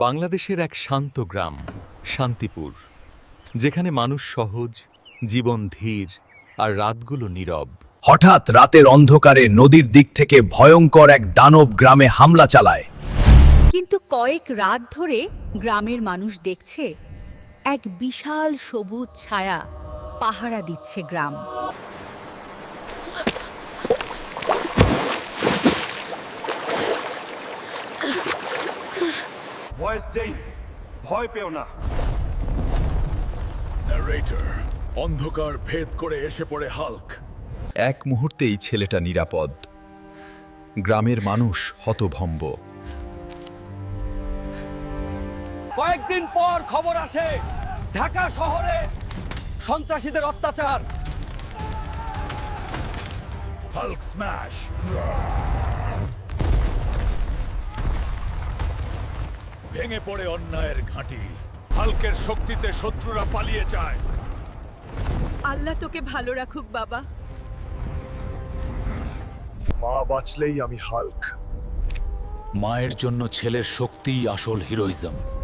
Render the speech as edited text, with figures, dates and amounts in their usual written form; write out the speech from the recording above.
বাংলাদেশের এক শান্ত গ্রাম শান্তিপুর, যেখানে মানুষ সহজ, জীবন ধীর আর রাতগুলো নীরব। হঠাৎ রাতের অন্ধকারে নদীর দিক থেকে ভয়ঙ্কর এক দানব গ্রামে হামলা চালায়। কিন্তু কয়েক রাত ধরে গ্রামের মানুষ দেখছে এক বিশাল সবুজ ছায়া পাহারা দিচ্ছে গ্রাম। ভয়েস দেই, ভয় পেও না। ন্যারেটর, অন্ধকার ভেদ করে এসে পড়ে হাল্ক। এক মুহূর্তেই ছেলেটা নিরাপদ। গ্রামের মানুষ হতভম্ব। কয়েকদিন পর খবর আসে ঢাকা শহরে সন্ত্রাসীদের অত্যাচার। Hulk smash. ভেঙে পড়ে অন্যায়ের ঘাঁটি। হাল্কের শক্তিতে শত্রুরা পালিয়ে যায়। আল্লাহ তোকে ভালো রাখুক বাবা। মা বাঁচলেই আমি হাল্ক। মায়ের জন্য ছেলের শক্তিই আসল হিরোইজম।